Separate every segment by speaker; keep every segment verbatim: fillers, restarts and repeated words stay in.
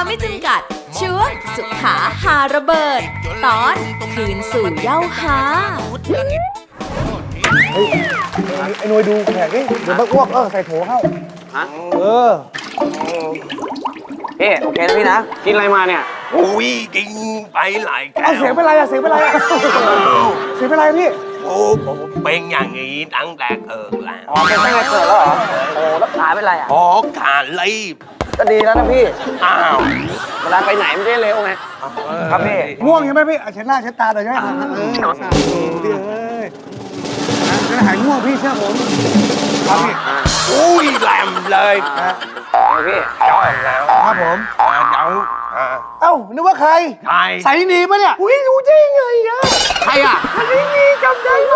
Speaker 1: ไม่จำกัดช่วงสุขาหาระเบิด ตอนคืนสู่เย้าหา
Speaker 2: เฮ้ยไอ้หน่วยดูแขกดิเดี๋ยวมันอ้วกเออใส่โถเข้าฮะเออ
Speaker 3: พี่โอเคนะพี่นะกินอะไรมาเนี่ย
Speaker 4: อุ้ยกินไปหลายแก้ว
Speaker 2: เอาเสียงเป็นไรอะเสียงเป็นไรอะเสียงเป็นไรพี่
Speaker 4: โอ้ผมเป็นอย่างนี้ตั้งแต่เกิดแล้ว
Speaker 3: อ๋อเป็นตั้งแต่เกิดแล้วเหรอโอ้แล้วขาเป็นไรอ่ะ
Speaker 4: อ๋อขาลีบ
Speaker 3: ก็ดีแล้วนะพี่
Speaker 4: อ้าว
Speaker 3: เวลาไปไหนไม่ได้เร็วไงครับพี่
Speaker 2: ง่วงใช่ไหมพี่เช็ดหน้าเช็ดตาเลยใช่ไหมเออพี่เอ้ยจะหายง่วงพี่เชื่อผมครับพี่
Speaker 4: อุ้ยแหลมเลย
Speaker 3: พี่
Speaker 4: จ้องแล้ว
Speaker 2: ครับผม
Speaker 4: เจ้า
Speaker 2: เอ้านึกว่าใคร
Speaker 4: ใคร
Speaker 2: ใส่หนีปะเนี่ยอุ้ยรู้ได้ไงอะ
Speaker 3: ใครอ่ะ
Speaker 2: ใส่หนีจำได้ไหม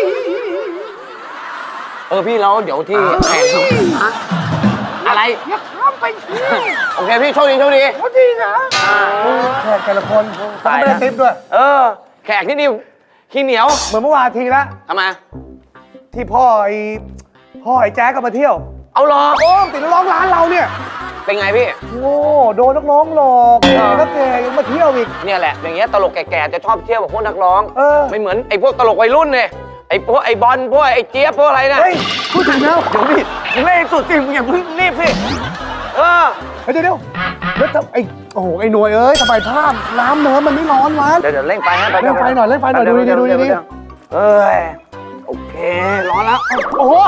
Speaker 3: เออพี่แล้วเดี๋ยวที่แข่งอะไร
Speaker 2: อย่าข้ามไป
Speaker 3: โอเคพี่โชคดีโชคดี
Speaker 2: โชคดีนะแขกแต่ละคนต้องไม่ได้ติ๊บด้วย
Speaker 3: เออแขกที่นี่ขี้เหนียว
Speaker 2: เหมือนเมื่อวานทีละ
Speaker 3: ทำไม
Speaker 2: ที่พ่อไอ้พ่อไอ้แจ๊กก็มาเที่ยว
Speaker 3: เอาหรอ
Speaker 2: โอ้ติดร้องร้านเราเนี่ย
Speaker 3: เป็นไงพี่
Speaker 2: โอ้โดนนักร้องหลอกแล้วแกยังมาเที่ยวอีก
Speaker 3: เนี่ยแหละอย่างเงี้ยตลกแก่ๆจะชอบเที่ยวกับพวกนักร้อง
Speaker 2: เออ
Speaker 3: ไม่เหมือนไอ้พวกตลกวัยรุ่นเนี่ยไอ้พวกไอ้บอลพวกไอ้เจี๊ยบพวกอะไรนะ
Speaker 2: เฮ้ยพูดถึงแล้ว
Speaker 3: เดี๋ยวพี่มึงเล่นสุดจริงมึงอย่าเพิ่งรีบสิเออ
Speaker 2: เดี๋ยวเดี๋ยวแล้วไอ้โอ้โหไอ้หน่วยเอ้ยทำไมภาพน้ำเนื้อมันไม่ร้อนวะ
Speaker 3: เดี๋ยวเดี๋ยวเร่งไฟให้
Speaker 2: เร่งไฟหน่อยเร่งไฟหน่อยดูดิดูดิ
Speaker 3: เอ้ยโอเคร้อนแล้ว
Speaker 2: โอ้โห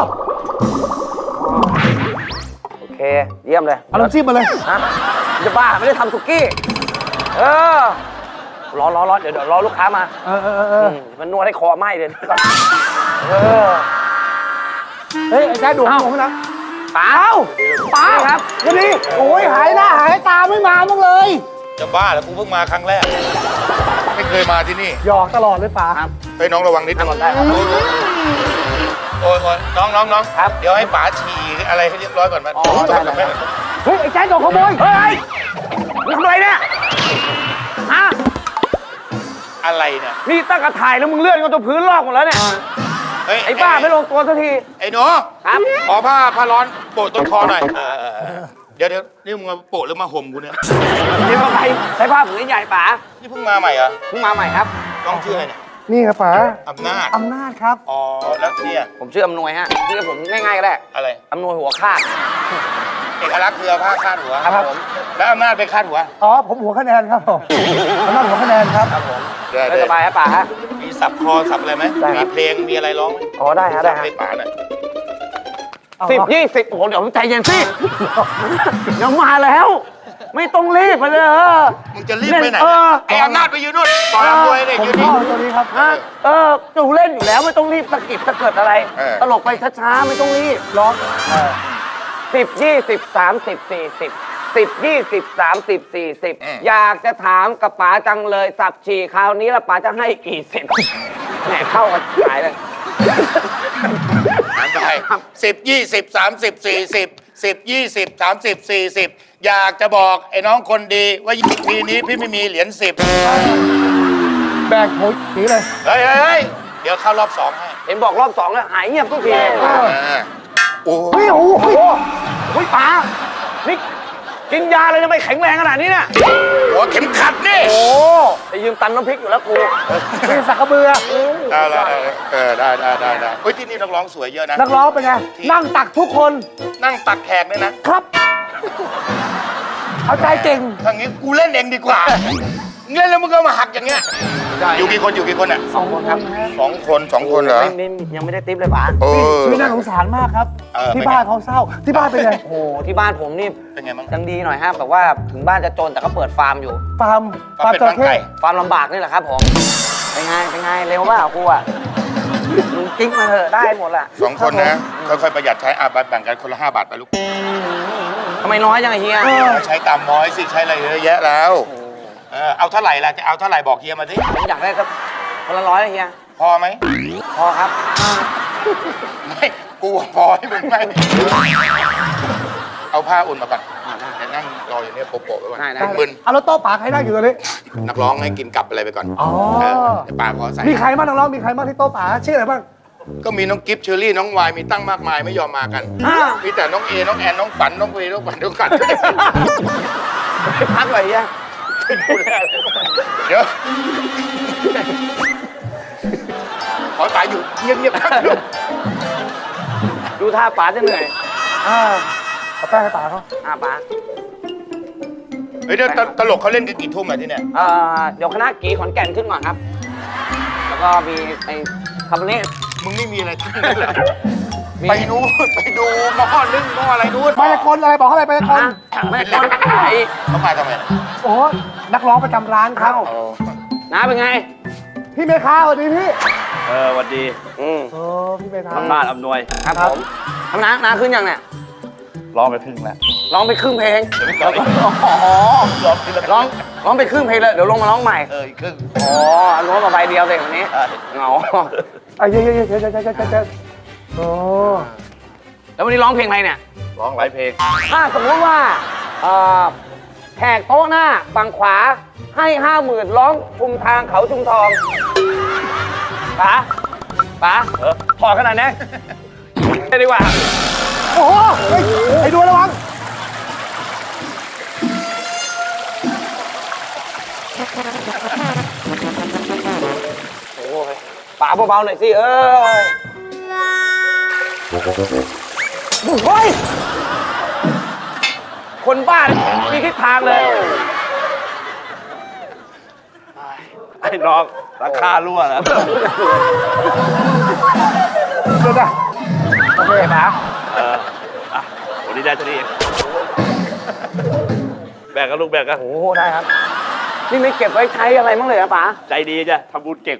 Speaker 3: โอเคเยี่ยมเลย
Speaker 2: เอาน้ำจิ้มมาเลย
Speaker 3: ฮะจะบ้าไม่ได้ทำสุกี้เออรอรอรอเดี๋ยวเดี๋ยวรอลูกค้ามา
Speaker 2: เออเออเออ
Speaker 3: มันนวดให้คอไหม้เลยเออ
Speaker 2: เฮ้ยไอ้แจ๊ดดูผมนะ
Speaker 3: ป๋า
Speaker 2: ป๋าครับวันนี้โอ้ยหายหน้าหายตาไม่มาบ้างเลย
Speaker 4: จะบ้าแล้วกูเพิ่งมาครั้งแรกไม่เคยมาที่นี่
Speaker 2: หยอกตลอดเลยป๋า
Speaker 4: ไปน้องระวังนิดนึง
Speaker 3: ได้ครับ
Speaker 4: โอ้ยโอ้ยน้องน้องน้องครับเดี๋ยวให้ป๋าฉี่อะไรให้เรียบร้อยก่อนมา
Speaker 2: เฮ้ยไอ้แจ๊ดโดนขโมย
Speaker 3: เฮ้ยทำอะไรเนี่ยฮะ
Speaker 4: อะไรเนี่ย
Speaker 3: นี่ตั้งกระถ่ายแล้วมึงเลื่อนกันตัวพื้นลอกหมดแล้วเนี่ยไอ้บ้าไม่ลงตัวสักที
Speaker 4: ไอ้หนูครับขอผ้าผ้าร้อนโปะต้นคอหน่อยเดี๋ยวเดี๋ยวนี่มึงมาโปะหรือมาห่มกูเนี่ย
Speaker 3: นี่มาไปใช้ผ้าผืนใหญ่ป๋า
Speaker 4: นี่เพิ่งมาใหม่เหรอ
Speaker 3: เพิ่งมาใหม่ครับ
Speaker 4: น้องชื่ออะไรเนี่ย
Speaker 2: นี่ครับป๋า
Speaker 4: อำนาจ
Speaker 2: อำนาจครับ
Speaker 4: อ๋อแล้วเนี่ย
Speaker 3: ผมชื่ออำนวยฮะชื่อผมง่ายๆก็ได้
Speaker 4: อะไร
Speaker 3: อำนวยหัวคาด
Speaker 4: เอกลักษณ์คือผ้าคาดหัว
Speaker 3: ครับผม
Speaker 4: แล้วอำนาจไปคาดหัว
Speaker 2: อ๋อผมหัวคะแนนครับผมอำนาจหัวคะแนนครับ
Speaker 3: ครับผมได้สบายครับป๋าฮะ
Speaker 4: มีสับคอสับอะไรไหมมีเพลงมีอะไรร้อง
Speaker 3: อ๋อได้ฮะได้ฮะ
Speaker 4: ให้ป๋าหน่อย
Speaker 3: สิบยี่สิบโอ้โหเดี๋ยวใจเย็นสิยังมาแล้วไม่ต้องรีบมาเลยเออ
Speaker 4: มึงจะรีบไปไหนไอ้อำนาจไปยืนนู่นต่อยมวยเนี่ยยืนนี่
Speaker 2: ตัวนี้ครับ
Speaker 3: เออจูเล่นอยู่แล้วไม่ต้องรีบสะกิดสะเกิดอะไรตลกไปช้าๆไม่ต้องรีบ
Speaker 2: ร้อง
Speaker 3: สิบยี่สิบสามสิบสี่สิบสิบยี่สิบสามสิบสี่สิบอยากจะถามกับป๋าจังเลยสับฉี่คราวนี้ละป๋าจะให้กี่สิบแหมเข้ากันหายเลย
Speaker 4: หันไปสิบยี่สิบสามสิบสี่สิบสิบยี่สิบสามสิบสี่สิบอยากจะบอกไอ้น้องคนดีว่าทีนี้พี่ไม่มีเหรียญสิบ
Speaker 2: แบกโหหนีเลย
Speaker 4: เฮ้ยเฮ้ยเดี๋ยวเข้ารอบสองให้
Speaker 3: เห็นบอกรอบสองแล้วหายเงียบทุกที
Speaker 2: โอ้โหโอ้โห
Speaker 3: โอ้ยป๋านี่กินยาเลยทำไมแข็งแรงขนาดนี้เนี่ย
Speaker 4: หัวเข็มขัดนี่
Speaker 3: โอ้ไปยืมตันน้ำพริกอยู่แล้วกู
Speaker 2: เป็นสักกระเบือ
Speaker 4: ได้ได้เออได้ได้ได้ได้เฮ้ยที่นี่นักร้องสวยเยอะนะ
Speaker 2: นักร้องเป็นไงนั่งตักทุกคน
Speaker 4: นั่งตักแขกด้วยนะครับ
Speaker 2: เอาใจเก่ง
Speaker 4: ทางนี้กูเล่นเองดีกว่าเล่นแล้วมึงก็มาหักอย่างเงี้ยอยู่กี่คนอยู่กี่คนอ่ะ
Speaker 3: สองคนครับ
Speaker 4: สองคนสองคนเหรอ
Speaker 3: ยังไม่ได้ติ๊บเลยป๋า
Speaker 2: ชีวิตน่าสงสารมากครับที่บ้านเขาเศร้าที่บ้านเป็นไง
Speaker 3: โอ้ที่บ้านผมนี่
Speaker 4: เป็นไงบ้าง
Speaker 3: ยังดีหน่อยฮะแบบว่าถึงบ้านจะจนแต่ก็เปิดฟาร์มอยู่
Speaker 2: ฟาร์ม
Speaker 4: ฟาร์มจระเข้
Speaker 3: ฟาร์มลำบากนี่แหละครับผมเป็นไงเป็นไงเร็วป่ะกูอ่ะมึงกิ๊กมาเถอะได้หมดแหละ
Speaker 4: สองคนนะค่อยๆประหยัดใช้อาบัตแบ่งกันคนละห้าบาทไปลูก
Speaker 3: ทำไมน้อยจังเฮีย
Speaker 4: ใช้ตามน้อยสิใช้อะไรเยอะแยะแล้วเออเอาเท่าไหร่ล่ะจะเอาเท่าไหร่บอกเฮียมาสิ
Speaker 3: ผมอยากได้สักคนละร้อยเฮีย
Speaker 4: พอไหม
Speaker 3: พอครับ
Speaker 4: ไม่กูพอให้มึงไม่เอาผ้าอุ่นมาก่อนนั่งรออยู่เนี่ยโปะๆไว้ก่อน
Speaker 3: ได้
Speaker 4: มึน
Speaker 2: เอาแล้วโต๊ะป๋าใครนั่งอยู่ตรงนี้
Speaker 4: นักร้องให้กินกลับอะไรไปก่อน
Speaker 2: อ๋อ
Speaker 4: เดี๋ยวป๋าขอใส่
Speaker 2: มีใครบ้างนักร้องมีใครบ้างที่โต๊ะป๋าชื่ออะไรบ้าง
Speaker 4: ก็มีน้องกิฟต์เชอรี่น้องวายมีตั้งมากมายไม่ยอมมากัน มีแต่น้องเอ น้องแอน น้องฝัน น้องเวน้องฝันน้องกัน
Speaker 3: พักเลยยัง
Speaker 4: เดี๋ยว ขอตายอยู่เงียบๆครับ
Speaker 3: ดูท่าป๋าจะเหนื่อย
Speaker 2: อ่าเอาแป้งให้ตาเขา
Speaker 3: อ่าป๋า
Speaker 4: เฮ้ยเดี๋ยวตตลกเขาเล่นกันกี่ทุ่มอะที่เนี่ย
Speaker 3: เอ่อเดี๋ยวคณะกีขอนแก่นขึ้นก่อนครับ แล้วก็มีไอ้คาร์บอเนต
Speaker 4: มึงไม่มีอะไรทั้งนั้นเลยไปนู้นไปดูหม้อนึ่งหม้ออะไรนู้น
Speaker 2: มายากลอะไรบอกเขาอะไรมายากล
Speaker 3: นะไม่ต้นไอ้
Speaker 4: เขามาทำไม
Speaker 2: โอ้นักร้องประจำร้านครับ
Speaker 4: อ๋อ
Speaker 3: น้าเป็นไง
Speaker 2: พี่เมฆาสวัสดีพี่
Speaker 5: เออสวัสดี
Speaker 3: อืม
Speaker 2: โอ้พี่เมฆา
Speaker 5: ทำบ้านอำนวย
Speaker 3: ครับผมทำน้าน้าขึ้นยังเนี่ย
Speaker 5: ร้องไปครึ่งแล้ว
Speaker 3: ร้องไปครึ่งเพลง
Speaker 5: เดี๋ยวไม่ต่อย
Speaker 3: อ๋อ
Speaker 5: ร้องทีละ
Speaker 3: ร้องร้องไปครึ่งเพลงเลยเดี๋ยวลงมาร้องใหม่
Speaker 5: เอออีกครึ่ง
Speaker 3: อ๋ออันนู้นมาใบเดียวเลยวันนี้
Speaker 5: อ่ะ
Speaker 3: เหงา
Speaker 2: ไอ้เยอะเยอะเยอะเยอะเยอะเยอะเยอะโอ้
Speaker 3: แล้ววันนี้ร้องเพลงอะไรเนี่ย
Speaker 5: ร้องหลายเพลง
Speaker 3: ถ้าสมมติว่าเอ่อแขกโต๊ะหน้าฝั่งขวาให้ห้าหมื่นร้องชุมทางเขาชุมทองป๋าป๋า
Speaker 5: เออ
Speaker 3: ถอดขนาดนี้ได้ดีกว่า
Speaker 2: โหเฮ้ยไอ้ดูระวัง
Speaker 3: โอ้ยป๋าเบาๆหน่อยสิเอ้ยเฮ้ยคนบ้ามีทิศทางเลย
Speaker 5: ไอ้น้องราคารั่วนะ
Speaker 2: เดี๋ยวนะโอเคนะ
Speaker 5: เอออ่ะวันนี้ได้เท่านี้เองแบ่งกันลูกแบ่งกัน
Speaker 3: โอ้โหได้ครับ นี่ไม่เก็บไว้ใช้อะไรมั้างเลยอะป๋า
Speaker 5: ใจดีจ้ะทำบุญเก่ง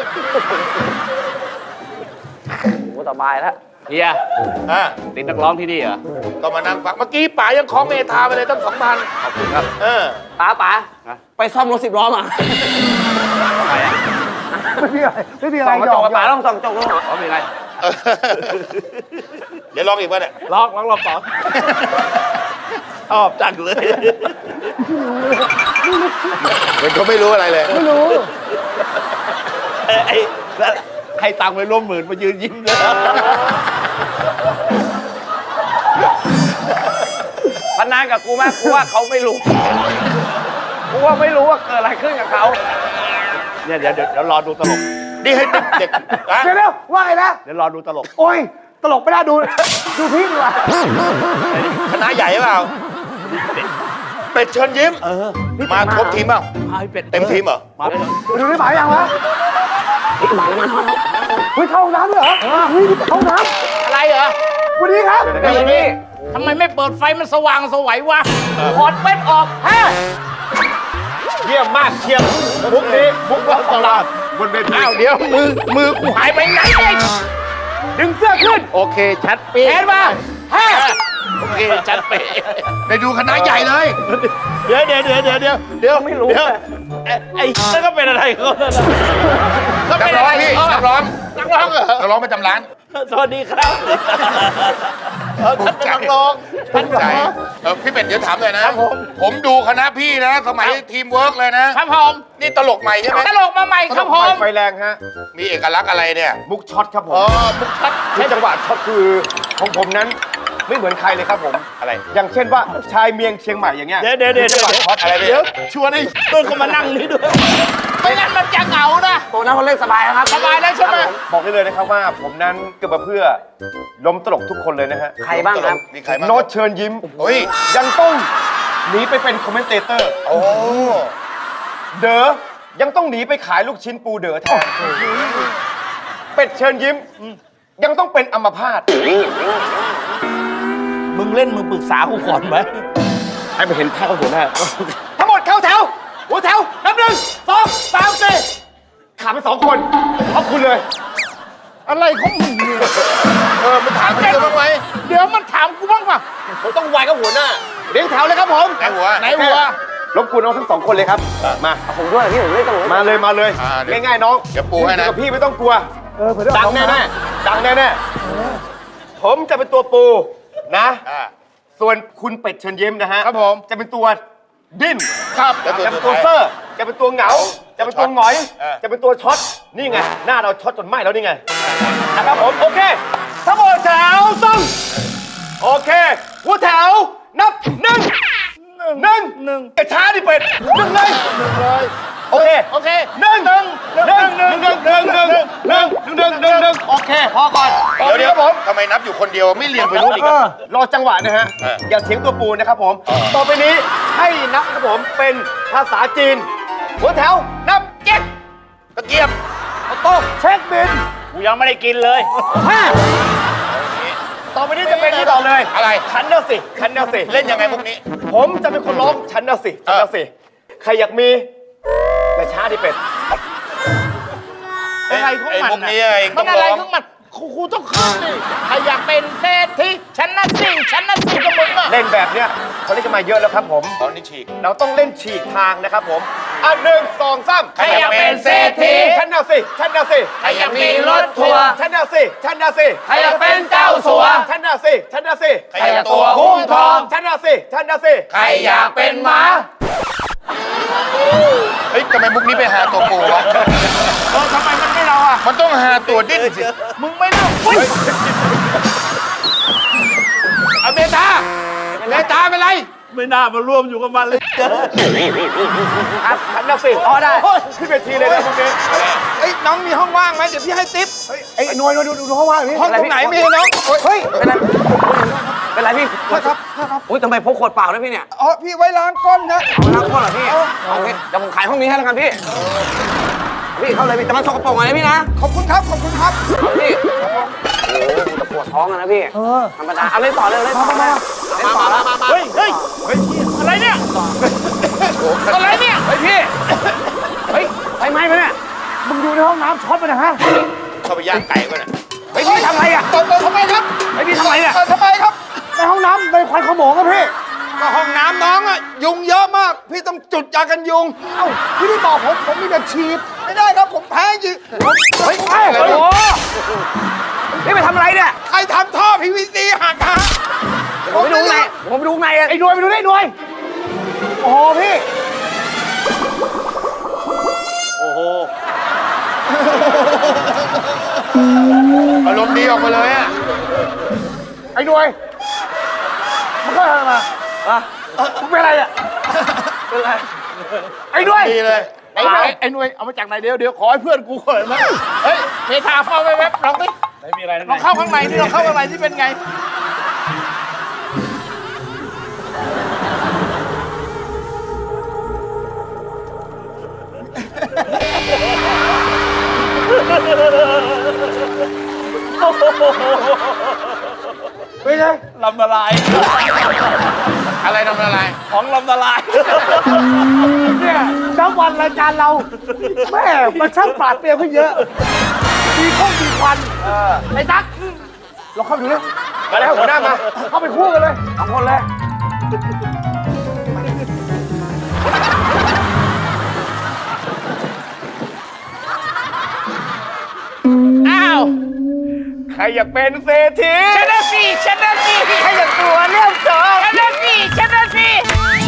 Speaker 3: โอ้สบายแล้ว
Speaker 5: เฮีย
Speaker 4: อ่ะ
Speaker 5: ติดนักร้องที่นี่เหรอ
Speaker 4: ก็มานั่งฟังเมื่อกี้ป๋ายังคล้องเมทาไปเลยตั้งสองพัน
Speaker 5: ขอบคุณครับ
Speaker 4: เออ
Speaker 3: ป๋าป๋า
Speaker 5: ฮะ
Speaker 3: ไปซ่อมรถสิบล้อมา
Speaker 5: ทำไมอ่ะ
Speaker 2: ไม่มีอะไรไม่มีอะไร
Speaker 3: ส่องกระ
Speaker 2: หย
Speaker 3: จ
Speaker 2: อก ก
Speaker 3: ป๋าต้องส่องกระจกด้วย
Speaker 5: อ๋อมีอะไร
Speaker 4: เออเดี๋ยวลองอีกป่ะเนี่ย
Speaker 5: ร้องร้องรอบสองชอบจังเลย
Speaker 4: มันก็ไม่รู้อะไรเลย
Speaker 2: ไม่รู้
Speaker 5: ไอ้ไอ้แล้วให้ตังค์ไปร่วมหมื่นมายืนยิ้มเลย
Speaker 3: พนันกับกูไหมกูว่าเขาไม่รู้กูว่าไม่รู้ว่าเกิดอะไรขึ้นกับเขา
Speaker 5: เนี่ยเดี๋ยวเดี๋ยวเดี๋ยวรอดูตลก
Speaker 4: นี่ให้เด็กเด็กอะ
Speaker 2: เดี๋ยวเดี๋ยวว่าไงนะ
Speaker 5: เดี๋ยวรอดูตลก
Speaker 2: โอ้ยตลกไม่ได้ดู ดูพี่ดีกว่า
Speaker 4: คณะใหญ่เปล่า เป็ดเชิญยิ้ม
Speaker 5: เออ
Speaker 4: มาครบทีมเปล่า
Speaker 5: พาพี่เป็ด
Speaker 4: เต็มทีมเหรอ
Speaker 5: มาเป็น
Speaker 2: ดูนี่หมายยังวะ
Speaker 3: นี่หมายมัน
Speaker 2: เฮ้ยเข้าห้องน้ำด้วยเหรอเฮ้ยนี่เข้าห้องน้
Speaker 6: อะไรเหรอ
Speaker 2: ำสวัสดีครับ
Speaker 3: เดี๋ยวนี้
Speaker 6: ทำไมไม่เปิดไฟมันสว่างสวัยวะถอดเป็ดออกฮะ
Speaker 4: เยี่ยมมากเชียงมุกนี้มุกรอบตลาดบนเวที
Speaker 6: อ้าวเดี๋ยวมือมือกูหายไปไหนเองดึงเสื้อขึ้น
Speaker 4: โอเค ชัดเป๊ะ
Speaker 6: แขนมาฮะ
Speaker 4: โอเค ชัดเป๊ะไปดูคณะใหญ่เลย
Speaker 5: เดี๋ยวเดี๋ยวเดี๋ยวเดี๋ยวเดี๋ยวเดี๋ยว
Speaker 3: ไม่รู้
Speaker 5: เดี๋ยวไอ้ไอ้นั่นก็เป็นอะไรเขาเนี่ยนะ
Speaker 6: ก็เป็น
Speaker 4: นักร้
Speaker 6: อะ
Speaker 4: อง
Speaker 6: ไร
Speaker 4: พี่
Speaker 6: เออ
Speaker 4: นักร้อง
Speaker 6: นักร้องเหรอ
Speaker 4: นักร้องประจำร้าน
Speaker 5: สวัสดีครับเออท่านเป็นนักร้อง
Speaker 4: ตั้งใจเออพี่เป็ดเดี๋ยวถามหน่อยนะครับ
Speaker 6: ผม
Speaker 4: ผมดูคณะพี่นะ สมัยทีมเวิร์กเลยนะ
Speaker 6: ครับผม
Speaker 4: นี่ตลกใหม่ใช่ไหม
Speaker 6: ตลกมาใหม่ครับผม
Speaker 7: ไฟแรงฮะ
Speaker 4: มีเอกลักษณ์อะไรเนี่ย
Speaker 7: มุกช็อตครับผม
Speaker 4: อ๋อมุกชัด
Speaker 7: ที่จังหวะช็อตคือของผมนั้นไม่เหมือนใครเลยครับผม
Speaker 4: อะไร
Speaker 7: อย่างเช่นว่าชายเมียงเชียงใหม่อย่างเงี้ย
Speaker 5: เดี๋ยวเดี๋ยวเดี๋ยว
Speaker 7: จังหวะช็อตอะไร
Speaker 5: เดี๋ยวชวนไอ้ต้นเขามานั่งนี่ด้วย
Speaker 6: ไม่งั้นมันจะเหงานะ
Speaker 3: ตัวนั้นเขาเล่นสบายนะครับ
Speaker 6: สบายแล้วใช่ไหม
Speaker 7: บอกได้เลยนะครับว่าผมนั้นเกิดมาเพื่อล้มตลกทุกคนเลยนะฮะ
Speaker 3: ใครบ้างครับ
Speaker 4: มีใครบ้าง
Speaker 7: โน้ตเชิญยิ้ม
Speaker 4: โอ้ย
Speaker 7: ยังต้องหนีไปเป็นคอมเมนเตเตอร์
Speaker 4: โอ้
Speaker 7: เด๋อยังต้องหนีไปขายลูกชิ้นปูเด๋อแทนเป็ดเชิญยิ้ม ยังต้องเป็นอัมพาต
Speaker 5: มึงเล่นมึงปรึกษากูก่อนไหม
Speaker 7: ให้ไปเห็นภาพหัวหน้าทั้งหมดเข้าแถว หัวแถวนับหนึ่งสองสามสี่ขาดไปสองคนขอบคุณเลย
Speaker 6: อะไรของมึงเนี่ย
Speaker 4: เออมันถามเรื่องบ้างไหม
Speaker 6: เดี๋ยวมันถามกูบ้างป่ะ
Speaker 7: ผมต้องไวกับหัวหน้าเรียงแถวเลยครับผม
Speaker 4: ไหนหัว
Speaker 6: ไหนหัว
Speaker 7: รบกวนน้องทั้งสองคนเลยครับ มา
Speaker 3: ผมด้วยพี่ผมเล่นตลก
Speaker 7: มาเลยมาเลย
Speaker 4: อ่าเดี๋ยว
Speaker 7: ง่ายๆน้อง
Speaker 4: เดี๋ยวปูให้นะ
Speaker 7: อยู่กับพี่ไม่ต้องกลัว
Speaker 2: เออเผื่อได้
Speaker 7: ดัง
Speaker 2: ออก
Speaker 7: แน่
Speaker 2: มา
Speaker 7: แน่ๆดังแน่แน่ๆผมจะเป็นตัวปูนะ
Speaker 4: อ่า
Speaker 7: ส่วนคุณเป็ดเชิญยิ้มนะฮะ
Speaker 6: ครับผม
Speaker 7: จะเป็นตัวดิ้น
Speaker 4: ครับแล้วตัว
Speaker 7: จะเป็น
Speaker 4: สุ
Speaker 7: ตัว
Speaker 4: ดท้าย
Speaker 7: เซอร์จะเป็นตัวเหงาจะเป็นตัวหงอย จะเป็นตัวช็อต นี่ไง หน้าเราช็อตจนไหม้แล้วนี่ไง นะครับผม โอเคทั้งหมดแถวต้องโอเคหัวแถว นับหนึ่งหนึ่งหนึ่งไอ้ช้าดิเป็ดหนึ่งเลยหนึ่งเลยโอเค
Speaker 6: โอเค
Speaker 7: หนึ่งหนึ่งหนึ่งหนึ่งหนึ่งหนึ่งหนึ่งหนึ่งหนึ่งหนึ่งหนึ่งหนึ่งโอเค พอก่อน
Speaker 4: เดี๋ยวเดี๋ยว
Speaker 7: ครับผม
Speaker 4: ทำไมนับอยู่คนเดียวไม่เรียงไปนู่นอีกอะ
Speaker 7: รอจังหวะนะฮะ
Speaker 4: เออ
Speaker 7: อย่าเถียงตัวปูนะครับผม ต่อไปนี้ให้นับครับผมเป็นภาษาจีน หัวแถว นับเจ็ด
Speaker 4: ตะเกียบ
Speaker 7: เอาโต๊ะเช็คบิน
Speaker 6: กูยังไม่ได้กินเลย
Speaker 7: ห้าต่อไปนี้จะเป็นที่ต่อเลย
Speaker 4: อะไร
Speaker 7: ฉันเน่ะสิฉันเน่ะสิ
Speaker 4: เล่นยังไงพวกนี้
Speaker 7: ผมจะเป็นคนร้องฉันเน่ะสิฉันเน่ะสิใครอยากมีอย่าช้าดิเป็ด
Speaker 6: อะไรของมัน
Speaker 4: ไอ้พวกนี้
Speaker 6: น่ะ
Speaker 4: เอง
Speaker 6: มั
Speaker 4: ต้อน ง
Speaker 6: อะไร
Speaker 4: ร้อง
Speaker 6: ของมันครูครูต้องขึ้นดิใครอยากเป็นเศรษฐีฉันน่ะสิฉันน่ะสิกับมึงอะ
Speaker 7: เล่นแบบเนี้ยเขาเล่นกันมาเยอะแล้วครับผม
Speaker 4: ตอนนี้ฉีก
Speaker 7: เราต้องเล่นฉีกทางนะครับผมอ่ะหนึ่งสองสาม
Speaker 4: ใครอยากเป็นเศรษฐี
Speaker 7: ฉันน่ะสิฉันน่ะสิ
Speaker 6: ใครอยากมีรถทัวร์
Speaker 7: ฉันน่ะสิฉันน่ะสิ
Speaker 6: ใครอยากเป็นเจ้าสัว
Speaker 7: ฉันน่ะสิฉันน่ะสิ
Speaker 4: ใครอยากตัวหุ้มทอง
Speaker 7: ฉันน่ะสิฉันน่ะสิ
Speaker 4: ใครอยากเป็นหมา เฮ้ยทำไมมุกนี้ไปหาตัวปูวะ
Speaker 6: เออทำไมมันไม่เราอ่ะ
Speaker 4: มันต้องหาตัวดิ้นสิ
Speaker 6: มึงไม่เล่าอุ้ย
Speaker 4: เอาเมตาเมตาเป็นไร
Speaker 5: ไม่น่ามาร่วมอยู่กับมันเลย
Speaker 7: ครับฉันน่ะสิอ๋อได้ขึ้นเวทีเลยนะพวกนี้
Speaker 6: เอ้ยน้องมีห้องว่างไหมเดี๋ยวพี่ให้ติ๊บ
Speaker 2: ไอ้หน่วยหน่วยดูดูห้องว่างนี่
Speaker 6: ห้องตรงไหนมีน้อง
Speaker 2: เฮ้ย
Speaker 3: เป็นไรเป็นไรพี่
Speaker 2: ครับครับ
Speaker 3: อุ้ยทำไมพกขวดเปล่าด้วยพี่เนี่ย
Speaker 2: อ๋อพี่ไว้ล้างก้นนะ
Speaker 3: เอาน้ำก้นเหรอพี่โอเคเดี๋ยวผมขายห้องนี้ให้แล้วกันพี่ พี่เข้าเลยพี่แต่มันสกปรกอะไรพี่นะ
Speaker 2: ขอบคุณครับขอบคุณครับ
Speaker 3: เอาพี่โอ้โหจะปวดท้องอะนะพี่
Speaker 2: เออ
Speaker 3: ธรรมดาเอาเล่นต่อเลยเล่นต่อเลยเล่นต่อแล้ว
Speaker 6: เฮ้ยเฮ้ยเฮ้ยอะไรเนี่ยอะไรเนี่ย
Speaker 3: เฮ้ยพี่เฮ้ยไฟไหม้ไหมเนี่ย
Speaker 2: มึงดูในห้องน้ำช็อตไปนะฮะ
Speaker 4: เข้าไปย่างไก่ก่อนน่ะ
Speaker 3: เฮ้ยพี่ทำอะไรอ่ะ
Speaker 2: ตบทำไมครับ
Speaker 3: เฮ้ยพี่ทำอะไรเนี่ย
Speaker 2: เออทำไมครับ ในห้องน้ำในควันขโมงครับพี่
Speaker 6: ก็ห้องน้ำน้องอะยุงเยอะมาก พี่ต้องจุดยากันยุง
Speaker 2: เอ้าพี่ไม่บอกผมผมมีแต่ฉีดไม่ได้ครับผมแพ้จริงผม
Speaker 3: เฮ้ยโอ้โหนี่ไปทำอะไรเนี่ย
Speaker 6: ใครทำท่อ พี วี ซี หักฮะ
Speaker 3: ผมไปดูข้างในผมไปดูข้างในอะ
Speaker 2: ไอ้หน่วยไปดูได้หน่วย โอ้โหพี่
Speaker 4: อารมณ์ดีออกมาเลยอ่ะ
Speaker 2: ไอ้หน่วยมันเข้าทางมาอะมึงเป็นอะไรอ่ะเป็นอะไรไอ้หน่วย
Speaker 4: ดีเลย
Speaker 6: ไอ้หน่วยไอ้หน่วยเอามาจากไหนเดี๋ยวเดี๋ยวขอให้เพื่อนกูก่อนนะเฮ้ยเมทาเฝ้าไว้แวบลองดิไม่มีอะไรลองเข้าข้างในที่ลองเข้าข้างในที่เป็นไง
Speaker 2: เป็นไง
Speaker 5: ลำละลาย
Speaker 4: อะไรทำอะไร
Speaker 5: ของลำละลาย
Speaker 2: เนี่ยน้ำวันรายการเราแม่มันช่างปราดเปรียวขึ้นเยอะ มีข้องมีควันไอ้ตั๊กเราเข้าไปดูเลย
Speaker 7: มาแล้วหัวหน้ามา
Speaker 2: เข้าไปคู่กันเลย
Speaker 3: สองคนเลย
Speaker 6: อ้าว
Speaker 7: ใครอยากเป็นเศรษฐี
Speaker 6: ชนะสิชนะสิ
Speaker 7: ใครอยากตัวเรื่องจอ
Speaker 6: ชนะสิชนะสิ